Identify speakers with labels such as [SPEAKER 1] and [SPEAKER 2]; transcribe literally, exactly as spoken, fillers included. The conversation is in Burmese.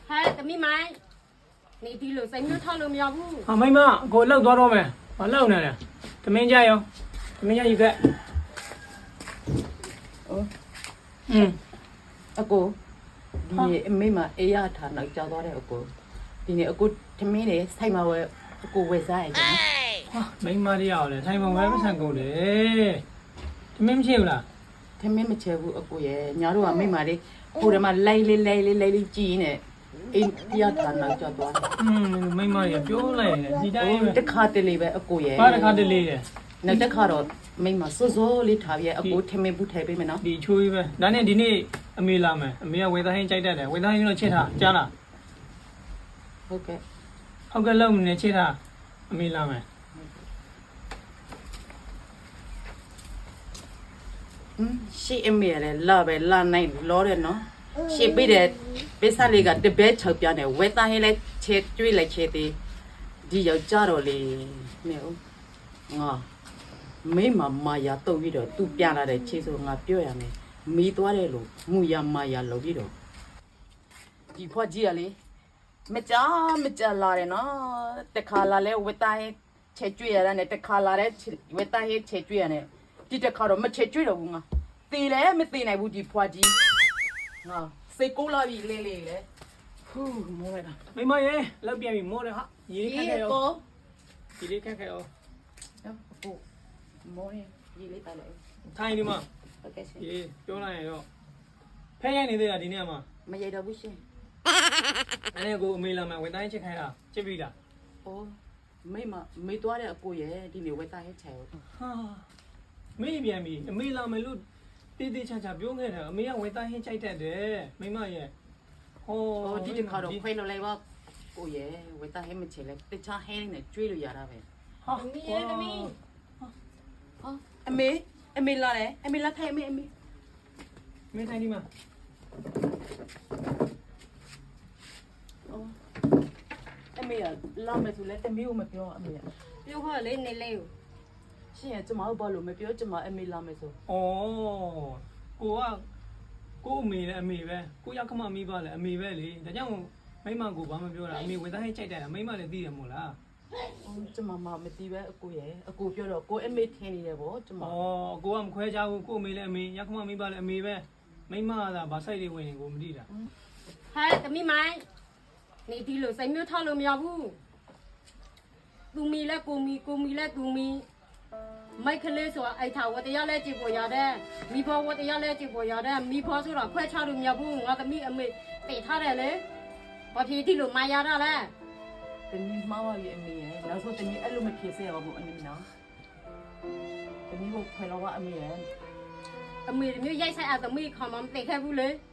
[SPEAKER 1] ဟဲ့သမီးမိုင်းနေဒီလိုစိတ်မျိုးထောက်လို့မရဘူး
[SPEAKER 2] ဟာမိမကိုလှုပ်သွားတော့မယ်မလှုပ်နဲ့လေသမင်းကြရောသမင်းကြယူခဲ့
[SPEAKER 3] 哦，
[SPEAKER 2] อืม
[SPEAKER 3] 阿哥，你妹嘛哎呀，他那找到了阿哥，今年阿哥他妹嘞，才嘛我阿哥为啥呀？
[SPEAKER 2] ဟာမိမတယောက်လေထိုင်ပုံပဲမဆန်ကုန်လေသမင်းမရှိဘူးလား
[SPEAKER 3] 他妹没吃过阿哥耶，伢都话妹嘛嘞，后来嘛来来来来来来挤呢，哎呀，他那找到了，
[SPEAKER 2] อืมမိမရပြောလိုက်တယ်ဒီတိုင်းပဲ
[SPEAKER 3] 哦，这卡的里边阿哥耶，
[SPEAKER 2] ဘာတစ်ခါတလေတယ်
[SPEAKER 3] 那这卡了，妹嘛说说里头耶，阿哥他妹不太背没喏，
[SPEAKER 2] ဒီချိုးကြီးပဲဒါနဲ့ဒီနေ့အမေလာမယ်အမေကဝေသားဟင်းကြိုက်တတ်တယ်ဝေသားဟင်းတော့ချက်ထားကြားလား
[SPEAKER 3] OK，
[SPEAKER 2] ဟုတ်ကဲ့လုံးနေချက်ထားအမေလာမယ်
[SPEAKER 3] 嗯，是阿妹嘞，老呗老奶老的喏，是背的，背啥里个特别臭标的，为啥现在切追来切的，你要加了嘞，没有，啊。没嘛嘛呀，都一着都变了的，其实我表扬的，没多的路，木呀嘛呀路一着。地坡几啊哩，没加没加拉的喏，得卡拉嘞，我打嘿切追啊呢，得卡拉嘞切，我打嘿切追啊呢，地得卡到没切追了我啊，对嘞没对那部地坡几，啊，谁搞拉比嘞嘞嘞，呼，没了。
[SPEAKER 2] မိမရေလောက်ပြန်ပြီမိုးတယ်ဟာရေလေးခက်ခဲရော
[SPEAKER 3] 哥，
[SPEAKER 2] ရေလေးခက်ခဲရော
[SPEAKER 3] 不，没嘞，一里带来，
[SPEAKER 2] ထိုင်ဒီမှာ
[SPEAKER 3] 不开心，
[SPEAKER 2] ရေပြောလိုက်ရင်တော့ဖဲရိုက်နေသေးတာဒီနေ့မှာ
[SPEAKER 3] 没有到不行。
[SPEAKER 2] အဲ့ဒါကိုအမေလာမယ်ဝေသားဟင်းချက်ခိုင်းတာချက်ပြီလား
[SPEAKER 3] 哦，没嘛，没多的过夜，里面会打些菜。
[SPEAKER 2] ဟာမေးပြန်ပြီအမေလာမယ်လို့တေးသေးချာချာပြောခဲ့တယ်အမေကဝေသားဟင်းကြိုက်တတ်တယ်မိမရေဟော
[SPEAKER 3] 哦，你就靠着快乐来吧，过夜会打些么菜嘞？得吃海呢，追了呀那呗。
[SPEAKER 2] ဟာ
[SPEAKER 1] သမီးရဲ့သမီး
[SPEAKER 3] 啊，阿妹，阿妹来嘞，阿妹来睇阿妹阿妹。
[SPEAKER 2] မင်းထိုင်ဒီမှာ
[SPEAKER 3] 哦，阿妹啊，拉没出来，阿妹我没表阿妹啊。
[SPEAKER 1] ပြောခေါ်လေးနေလေးကို
[SPEAKER 3] 现在怎么把路没表，怎么阿妹拉没出？
[SPEAKER 2] ဩကိုကကိုအမေလည်းအမေပဲကိုရောက်ခမမိပါလေအမေပဲလေဒါကြောင့်မိမကိုဘာမှပြောတာအမေဝေသားဟင်းကြိုက်တယ်မိမလည်းသိတယ်မို့လား
[SPEAKER 3] 哦，怎么嘛没地呗？阿姑爷，阿姑表了，姑阿妹听你的不？怎
[SPEAKER 2] ဩ
[SPEAKER 3] 么？
[SPEAKER 2] ကိုကမခွဲကြဘူးကိုအမေလည်းအမေရောက်ခမမိပါလေအမေပဲမိမကဗာစိုက်တွေဝင်နေကိုမသိတာ
[SPEAKER 1] ဟဲ့သမီးမိုင်းနေဒီလိုစိတ်မျိုးထောက်လို့မရဘူးသူမီလဲကိုမီကိုမီလဲသူမီမိုက်ကလေးဆိုတာအိုက်ထာဝတရားလဲကြည့်ပေါ်ရတဲ့မိဘဝတရားလဲကြည့်ပေါ်ရတဲ့မိဘဆိုတာခွဲခြားလို့မရဘူးငါသမီးအမေတည်ထားတယ်လေဘာဖြစ်ဒီလိုမာရတာလဲ
[SPEAKER 3] 等你妈妈也没耶，那时候等你一路没撇色，我不安尼喏。等你我快乐我阿妹耶。
[SPEAKER 1] အမေမျိုးရိုက်ဆိုင်အသမီးခေါမမတည်ခဲ့ဘူးလေ